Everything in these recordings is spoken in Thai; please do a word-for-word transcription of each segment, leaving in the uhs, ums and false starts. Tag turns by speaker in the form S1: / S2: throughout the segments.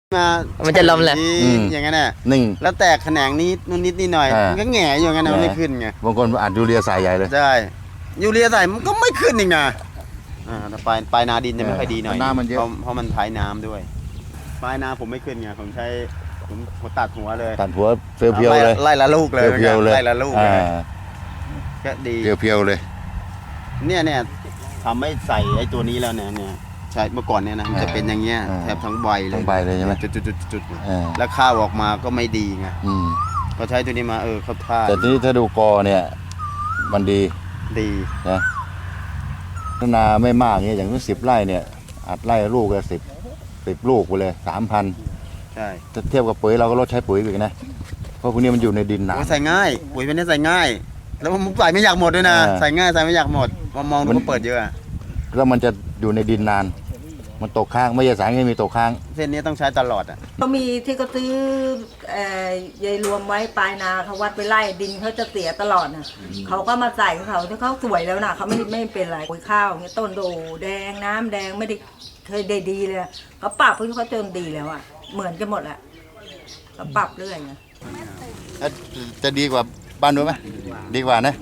S1: มา
S2: มันจะล้มแหละ
S1: อย่างนั้นน่ะ
S3: หนึ่ง
S1: แล้วแตกแขนงนี้นู่นนิดนี่หน่อยมันก็แหง่อยู่งั้นมันไม่ขึ้นไง
S3: บางคนอัดยูเรียใส่ใหญ่เลย
S1: ใช่ยูเรียใส่มันก็ไม่ขึ้นอีกนะอ่าแต่ปลายปลายนาดินจะไม่ค่อยดีหน่อย
S3: น้ำมันเยอะ
S1: เพราะเพราะมันท้ายน้ำด้วยปลายนาผมไม่ขึ้นไงผมใช้ผมผมตัดหัวเลย
S3: ตัดหัวเพียวๆเลย
S1: ไล่ละลูกเลย
S3: เพียวๆเลย
S1: ไล่ละลูกเลยก็ดี
S3: เพียวๆเลย
S1: เนี่ยเนี่ยทำให้ใส่ไอ้ตัวนี้แล้วเนี่ยเนี่ยใช่เมื่อก่อนเนี่ยนะมันจะเป็นอย่างเงี้ยแทบทั้งใบเลย
S3: ทั้งใบเลยใช่ไหม
S1: จุดๆๆๆแล้วข้าวออกมาก็ไม่ดีไงพอใช้ตัวนี้มาเออเข้าท่า
S3: แต่ทีนี้ถ้าดูกอเนี่ยมันดี
S1: ดี
S3: นะนาไม่มากเนี่ยอย่างนี้สิบไร่เนี่ยอัดไร่ลูกละสิบสิบลูกไปเลยสามพัน
S1: ใช่
S3: ถ้าเทียบกับปุ๋ยเราก็ลดใช้ปุ๋ยอีกนะเพราะพวกนี้มันอยู่ในดินหนา
S1: ใส่ง่ายปุ๋ยเป็นนี้ใส่ง่ายแล้วมันใส่ไม่อยากหมดด้วยนะใส่ง่ายใส่ไม่อยากหมดมองมองดูมันเปิดเยอะ
S3: แล้วมันจะอยู่ในดินนานมันตกค้างไม่ใช่สารเคมีตกค้าง
S1: เส้นนี้ต้องใช้ตลอดอ่ะ
S4: เขามีที่เขาซื้อยายรวมไว้ปลายนาเขาวัดไปไล่ดินเขาจะเสียตลอดนะเขาก็มาใส่เขาถ้าเขาสวยแล้วนะเขาไม่ไม่เป็นไรปุ๋ยข้าวเงี้ยต้นโดแดงน้ำแดงไม่ได้เคยได้ดีเลยเขาปรับเพื่อเขาจนดีแล้วอ่ะเหมือนกันหมดแหละเขาปรับเรื่อยไง
S3: จะดีกว่าบ้านนู้นไหมดีกว่านะ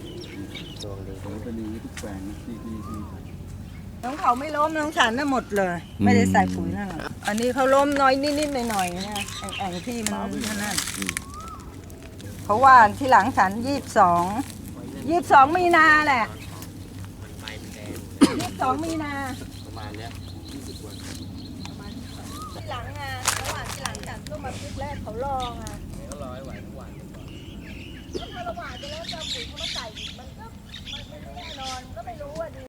S4: น้องเขาไม่ล้มน้องฉันน่ะหมดเลยไม่ได้ใส่ปุ๋ยนั่นหรอกอันนี้เขาล้มน้อยนิดๆหน่อยๆนะแอ่งที่มันนั่นเพราะว่าที่หลังฉันยี่สิบสองยี่สิบสองมีนาแหละยี่สิบสองมีนาประมาณเนี้ยที่หลังอ่ะระหว่างที่หลังฉันก็มาพลิกแรกเขาลองอ่ะเขาลอยไหวทุกวันถ้าระหว่างจะแล้วจะปุ๋ยเขามาใส่มันก็มันไม่แน่นอนก็ไม่รู้อ่ะ